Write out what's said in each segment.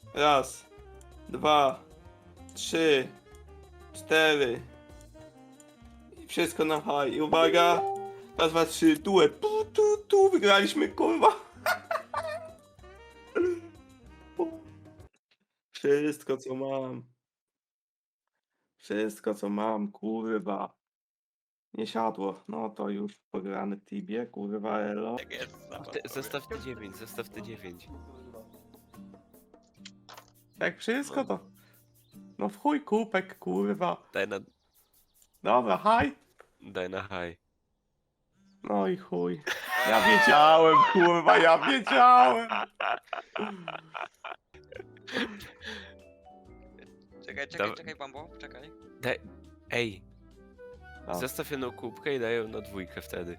Raz, dwa, trzy, cztery. I wszystko na high. I uwaga. Raz, dwa, trzy, duet. Tu, wygraliśmy, kurwa. Wszystko co mam. Wszystko co mam, kurwa. Nie siadło. No to już pograny w Tibie, kurwa elo. Tak jest. Zostaw te 9, zostaw te 9. Jak wszystko to... No w chuj kupek, kurwa. Dobra, haj. Daj na high. No i chuj. Ja wiedziałem, kurwa, ja wiedziałem. Czekaj, Bambo, czekaj. Ej, No. zostaw jedną kubkę i daj ją na dwójkę wtedy.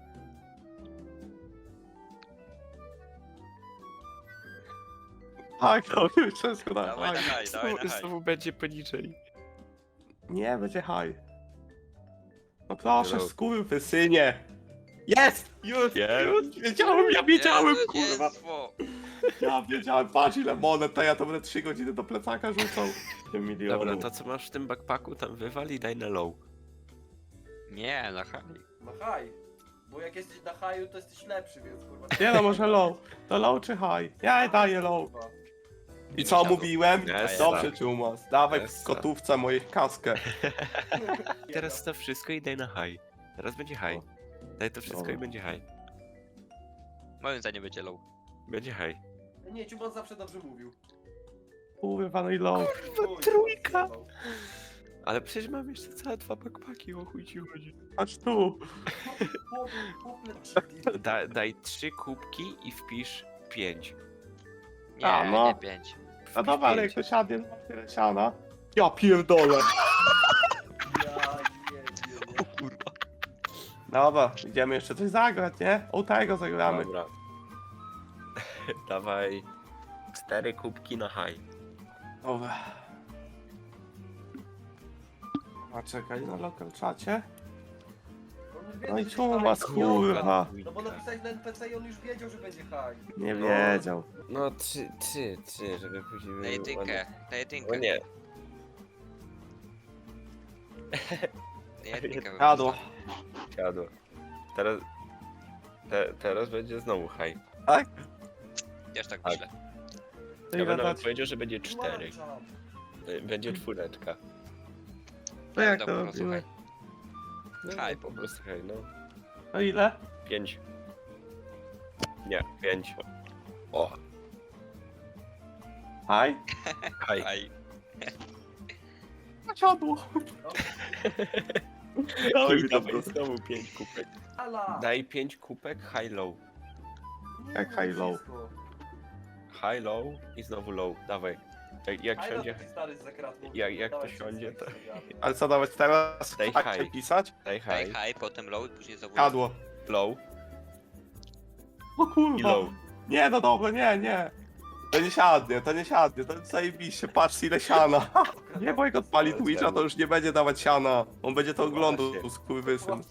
Tak, to już wszystko na Dawaj na haj. haj, dawaj na haj. Znowu będzie poniżej. Nie, będzie haj. No proszę, No. skurwysynie. Jest! Już, Jest. już, wiedziałem, ja wiedziałem, kurwa. Zwycięstwo! Ja wiedziałem, patrz ile monet, to ja to będę 3 godziny do plecaka rzucał. 7 Dobra, milionów. to co masz w tym backpacku tam wywal i daj na low. Nie, na haj. Na high. Bo jak jesteś na highu, to jesteś lepszy, więc kurwa. Nie no, może low. To low czy high? Ja daję low. Kurwa. I co mówiłem? Jest. Dobrze, Czumas. Dawaj Jest. w kotówce moją kaskę. Teraz staw wszystko i daj na high. Teraz będzie high. Daj to wszystko Dobra. i będzie high. Moim zdaniem będzie low. Będzie high. Nie, Ciubon zawsze dobrze mówił. Kurwa, no i low. Chuj, trójka. zjebał. Ale przecież mam jeszcze całe 2 backpacki, o chuj ci chodzi. Patrz tu. Daj 3 kubki i wpisz 5. Nie, A, no. nie 5. A dobra, ale jak to siadnie, no tyle siana. Ja pierdolę. Ja nie. O kurwa. Dobra, idziemy jeszcze coś zagrać, nie? O tego zagramy. Dobra. Dawaj 4 kubki na high. Dobra. A czekaj, na local czacie. No i Czumas, kurwa. No bo napisałeś na NPC i on już wiedział, że będzie high. Nie wiedział. No 3, żeby później... Na jedynkę, na jedynkę. No nie. Na jedynkę. Jadło. Siadło. Teraz... teraz będzie znowu high. Tak? Też tak Tak. myślę. To Ja ile bym nawet dać? powiedział, że będzie 4. Włączam. Będzie 4. To jak Dobra, to po prostu robimy? High po prostu high, no. To ile? 5. Nie, 5. O, Haj? high. High. Siadło. Dawaj, mi to dawaj prosto. znowu 5 kubek. Ala. Daj 5 kubek, high low. Nie, Jak high low? wszystko. High low i znowu low. Dawaj. Jak High siądzie, low, stary z zakratką. jak to Dawaj, siądzie, to Ale co dawać teraz? Daj Tak high. pisać? daj High, high, high, potem low i później znowu Jadło. low O i kurwa. low. Nie, no dobra, nie. To nie siadnie, to nie siadnie, to zajebiście, patrz ile siana. Nie, bo jak odpali Twitcha, to już nie będzie dawać siana. On będzie to oglądał, Właśnie. skurwysyn.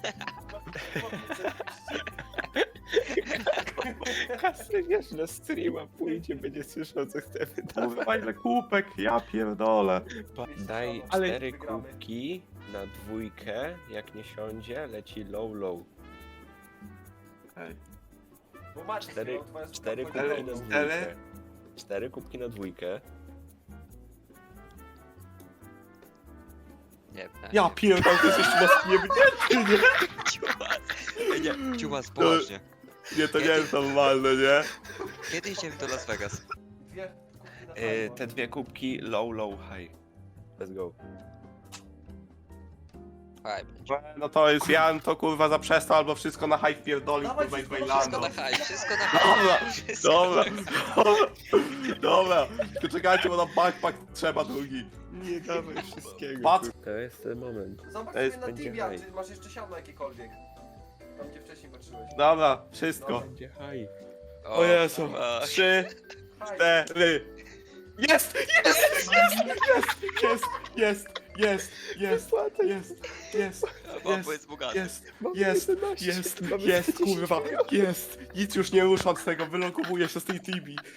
Kasy wiesz, na streama pójdzie, będzie słyszał co chcemy dawać. Kurwa ile kupek, ja pierdolę. Daj Ale- 4 kubki na dwójkę, jak nie siądzie, leci low low. Bo masz 4 twoja suka 4 powiedziała, kubki na no. dwójkę. 4 kubki na dwójkę. Nie, Ja pierdolę, to jest jeszcze raz jebnięty, nie? Ciumas. Nie, ciumas, poważnie. Nie, to nie jest normalne, nie? Kiedy idziemy do Las Vegas? Dwie kubki na high, Te 2 kubki low low high. Let's go. High będzie. No to jest, ja bym to kurwa zaprzestał, albo wszystko na high wpierdolił, Dawaj, kurwa i wszystko Wszystko bailando. na high, wszystko na Dobra, high. Wszystko dobra, na dobra. To czekajcie, bo na backpack trzeba drugi. Nie dawaj wszystkiego. Patrz. To jest ten moment. Zobacz To jest- sobie na będzie Tibia, high. czy masz jeszcze siano jakiekolwiek. Tam gdzie wcześniej patrzyłeś. Dobra, wszystko. Będzie high. O Jezu. fuck. 3, High. 4. Jest! Jest! Bambo jest bogaty. Jest, kurwa, jest. Nic już nie ruszam z tego, wylokowuję się z tej tibi.